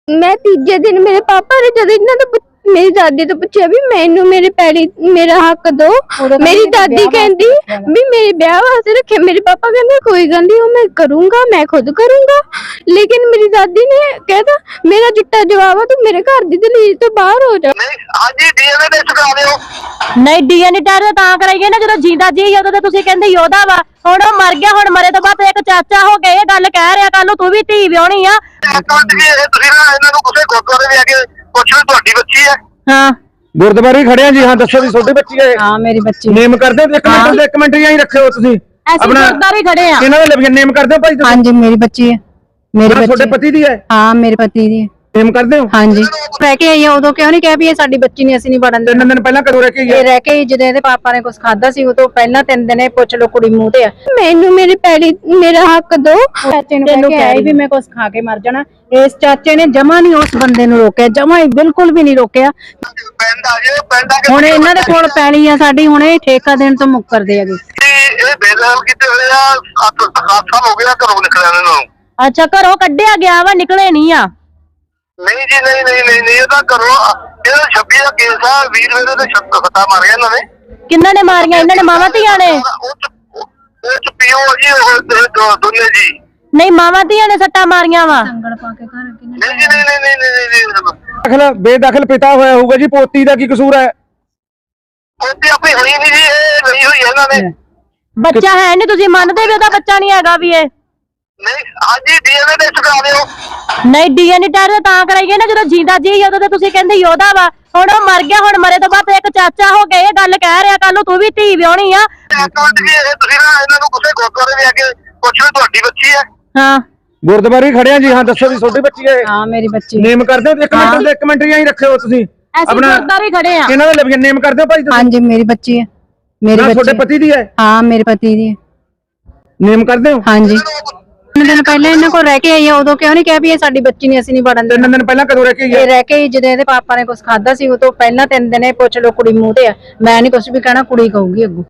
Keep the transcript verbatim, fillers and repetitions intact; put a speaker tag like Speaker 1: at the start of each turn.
Speaker 1: मैं तीजे दिन मेरे पापा ने जब इन्हों ने मेरी दादी तो पूछा भी मैनू मेरे पैरी मेरा हक दो। मेरी दादी कहती भी मेरे ब्याह वास्ते रखे। मेरे पापा कहते कोई गल नहीं मैं करूंगा, मैं खुद करूंगा। लेकिन मेरी दादी ने कहता मेरा चिट्टा जवाब है तू मेरे घर दी दलील तो बाहर हो जा।
Speaker 2: ਹਾਂਜੀ ਡੀਐਨਏ ਟੈਸਟ ਕਰਾ ਦਿਓ।
Speaker 3: नहीं डीएनए ਟੈਸਟ ਤਾਂ ਕਰਾਈਏ ਨਾ ਜਦੋਂ ਜਿੰਦਾ ਜੀ ਉਦੋਂ ਤੇ ਤੁਸੀਂ ਕਹਿੰਦੇ ਯੋਧਾ ਵਾ, ਹੁਣ ਉਹ ਮਰ ਗਿਆ, ਹੁਣ ਮਰੇ ਤੋਂ ਬਾਅਦ ਇੱਕ ਚਾਚਾ ਹੋ ਕੇ ਇਹ ਗੱਲ ਕਹਿ ਰਿਹਾ ਕੱਲ ਨੂੰ ਤੂੰ ਵੀ ਧੀ ਵਿਆਹਣੀ ਆ।
Speaker 2: ਇੱਕ ਮਿੰਟ ਜੀ ਇਹ ਤੁਸੀਂ ਨਾ ਇਹਨਾਂ ਨੂੰ ਕਿਸੇ ਗੁਰਦੁਆਰੇ ਲੈ ਕੇ ਪੁੱਛ ਲਓ ਤੁਹਾਡੀ ਬੱਚੀ ਹੈ।
Speaker 3: ਹਾਂ
Speaker 4: ਗੁਰਦੁਆਰੇ ਖੜੇ ਆ ਜੀ। ਹਾਂ ਦੱਸੋ ਜੀ ਤੁਹਾਡੀ ਬੱਚੀ ਹੈ?
Speaker 3: ਹਾਂ ਮੇਰੀ ਬੱਚੀ।
Speaker 4: ਨੇਮ ਕਰਦੇ ਹੋ? ਇੱਕ ਮਿੰਟ ਇੱਕ ਮਿੰਟ ਹੀ ਰੱਖਿਓ ਤੁਸੀਂ
Speaker 3: ਅਸੀਂ ਗੁਰਦੁਆਰੇ ਖੜੇ ਆ।
Speaker 4: ਇਹਨਾਂ ਦੇ ਨੇਮ ਕਰਦੇ ਹੋ ਭਾਈ ਤੁਸੀਂ?
Speaker 5: ਹਾਂਜੀ मेरी बच्ची है। मेरे बच्चे
Speaker 4: ਤੁਹਾਡੇ ਪਤੀ ਦੀ ਹੈ?
Speaker 5: हाँ मेरे पति दी है।
Speaker 4: ਨੇਮ ਕਰਦੇ ਹੋ?
Speaker 5: हाँ जी रह के आई है उदो क्यों नहीं कह भी ये साडी बच्ची नहीं, ਅਸੀਂ नहीं ਵੜਨ
Speaker 4: ਤਿੰਨ ਦਿਨ ਪਹਿਲਾਂ ਕਦੋਂ ਰਹਿ ਕੇ
Speaker 5: ਇਹ
Speaker 4: ਗਏ?
Speaker 5: ਰਹਿ ਕੇ ਜਦੋਂ ਇਹਦੇ ਪਾਪਾ ਨੇ ਕੁਝ ਖਾਦਾ ਸੀ ਉਹ ਤੋਂ ਪਹਿਲਾਂ ਤਿੰਨ ਦਿਨ ਇਹ ਪੁੱਛ ਲੋ ਕੁੜੀ ਮੂੰਹ ਤੇ ਆ।
Speaker 1: मैनू मेरे पैरी मेरा हक दो।
Speaker 5: ਚਾਚੇ ਨੂੰ ਕਹਿ ਕੇ ਆਈ ਵੀ ਮੈਂ ਕੁਝ ਖਾ ਕੇ ਮਰ ਜਾਣਾ। ਇਸ ਚਾਚੇ ਨੇ ਜਮਾ ਨਹੀਂ ਉਸ ਬੰਦੇ ਨੂੰ ਰੋਕਿਆ, ਜਮਾ ਹੀ ਬਿਲਕੁਲ ਵੀ ਨਹੀਂ ਰੋਕਿਆ।
Speaker 2: ਪਿੰਡ ਆ ਜੇ ਪਿੰਡ ਆ ਕੇ
Speaker 5: ਹੁਣ ਇਹਨਾਂ ਦੇ ਕੋਲ ਪੈਲੀ ਆ ਸਾਡੀ, ਹੁਣ ਇਹ ਠੇਕਾ ਦੇਣ ਤੋਂ ਮੁੱਕਰਦੇ ਹੈਗੇ।
Speaker 2: ਇਹ ਬੇਦਖਲ ਕੀਤੇ ਹੋਏ ਆ। ਅੱਠ ਸਾਲ ਹੋ ਗਏ ਆ ਘਰੋਂ ਨਿਕਲਿਆ ਇਹਨਾਂ ਨੂੰ।
Speaker 3: ਅੱਛਾ ਘਰੋਂ ਕੱਢਿਆ ਗਿਆ ਵਾ, ਨਿਕਲੇ ਨਹੀਂ ਆ?
Speaker 2: ਨਹੀਂ ਜੀ ਨਹੀਂ ਨਹੀਂ ਨਹੀਂ ਨਹੀਂ ਇਹਦਾ ਘਰੋਂ ਇਹਦਾ ਛੱਬੀ ਦਾ ਕੇਸ ਆ। ਵੀਰ ਮੇਰੇ ਤੇ ਛੱਤ ਫਤਾ ਮਾਰ ਗਿਆ ਇਹਨਾਂ ਨੇ।
Speaker 3: ਕਿੰਨਾਂ ਨੇ ਮਾਰੀਆਂ? ਇਹਨਾਂ ਨੇ ਮਾਵਾਂ ਧੀਆਂ ਨੇ?
Speaker 2: ਉਹ ਚ ਉਹ ਚ ਪੀਓ ਜੀ ਉਹ ਦੋਨੇ ਜੀ।
Speaker 3: ਨਹੀਂ ਮਾਵਾਂ ਧੀਆਂ ਨੇ ਸੱਟਾਂ ਮਾਰੀਆਂ ਵਾ?
Speaker 5: ਸੰਗਲ ਪਾ ਕੇ ਘਰ ਕਿੰਨੇ
Speaker 2: ਨਹੀਂ ਜੀ ਨਹੀਂ ਨਹੀਂ ਨਹੀਂ ਨਹੀਂ ਨਹੀਂ
Speaker 4: ਦਖਲ ਬੇਦਖਲ ਪਿਤਾ ਹੋਇਆ ਹੋਊਗਾ ਜੀ। ਪੋਤੀ ਦਾ ਕੀ ਕਸੂਰ ਹੈ?
Speaker 2: ਉਹਦੀ ਆਪਣੀ ਹੋਈ ਨਹੀਂ ਜੀ, ਇਹ ਲਈ ਹੋਈ ਇਹਨਾਂ ਨੇ।
Speaker 3: ਬੱਚਾ ਹੈ ਨਹੀਂ, ਤੁਸੀਂ ਮੰਨਦੇ ਵੀ ਉਹਦਾ ਬੱਚਾ ਨਹੀਂ ਹੈਗਾ ਵੀ ਇਹ?
Speaker 2: ਨਹੀਂ ਹਾਂਜੀ ਡੀਐਨਏ ਟੈਸਟ ਕਰਾ ਦਿਓ।
Speaker 3: ਨਹੀਂ ਡੀਐਨਏ ਟੈਸਟ ਤਾਂ ਕਰਾਈਏ ਨਾ ਜਦੋਂ ਜਿੰਦਾ ਜੀ ਉਦੋਂ ਤੇ ਤੁਸੀਂ ਕਹਿੰਦੇ ਯੋਧਾ ਵਾ, ਹੁਣ ਉਹ ਮਰ ਗਿਆ, ਹੁਣ ਮਰੇ ਤੋਂ ਬਾਅਦ ਇੱਕ ਚਾਚਾ ਹੋ ਕੇ ਇਹ ਗੱਲ ਕਹਿ ਰਿਹਾ ਕੱਲ ਨੂੰ ਤੂੰ ਵੀ ਧੀ ਵਿਆਹਣੀ ਆ।
Speaker 2: ਇੱਕ ਮਿੰਟ ਜੀ ਇਹ ਤੁਸੀਂ ਨਾ ਇਹਨਾਂ ਨੂੰ ਕਿਸੇ ਗੁਰਦੁਆਰੇ ਲੈ ਕੇ ਪੁੱਛ ਲਓ ਤੁਹਾਡੀ ਬੱਚੀ ਹੈ।
Speaker 3: ਹਾਂ
Speaker 4: ਗੁਰਦੁਆਰੇ ਖੜੇ ਆ ਜੀ। ਹਾਂ ਦੱਸੋ ਜੀ ਤੁਹਾਡੀ ਬੱਚੀ ਹੈ?
Speaker 5: हाँ मेरी बच्ची
Speaker 4: ਨੇਮ ਕਰਦੇ ਹੋ? ਇੱਕ ਮਿੰਟ ਇੱਕ ਮਿੰਟ ਹੀ ਰੱਖਿਓ ਤੁਸੀਂ
Speaker 3: ਅਸੀਂ ਗੁਰਦੁਆਰੇ ਖੜੇ ਆ।
Speaker 4: ਇਹਨਾਂ ਦੇ ਨੇਮ ਕਰਦੇ ਹੋ ਭਾਈ ਤੁਸੀਂ?
Speaker 5: हाँ जी मेरी बच्ची है। मेरी
Speaker 4: ਤੁਹਾਡੇ
Speaker 5: बच्ची
Speaker 4: ਪਤੀ ਦੀ ਹੈ?
Speaker 5: हाँ मेरे पति दी है।
Speaker 4: ਨੇਮ ਕਰਦੇ ਹੋ?
Speaker 5: हाँ जी ਤਿੰਨ ਦਿਨ ਪਹਿਲਾਂ ਇਹਨਾਂ ਕੋਲ ਰਹਿ ਕੇ ਆਈ ਆ ਉਦੋਂ ਕਿਉਂ ਨਹੀਂ ਕਹਿ ਵੀ ਇਹ ਸਾਡੀ ਬੱਚੀ ਨਹੀਂ, ਅਸੀਂ ਨਹੀਂ ਵੜਨ ਦੇਣਾ।
Speaker 4: ਤਿੰਨ ਦਿਨ ਪਹਿਲਾਂ ਕਦੋਂ ਰਹਿ ਕੇ
Speaker 5: ਇਹ
Speaker 4: ਗਏ?
Speaker 5: ਰਹਿ ਕੇ ਜਦੋਂ ਇਹਦੇ ਪਾਪਾ ਨੇ ਕੁਝ ਖਾਦਾ ਸੀ ਉਹ ਤੋਂ ਪਹਿਲਾਂ ਤਿੰਨ ਦਿਨ ਇਹ ਪੁੱਛ ਲੋ ਕੁੜੀ ਮੂੰਹ ਤੇ ਆ। ਮੈਂ ਨਹੀਂ ਕੁਝ ਵੀ ਕਹਿਣਾ, ਕੁੜੀ ਕਹੂਗੀ ਅੱਗੋਂ।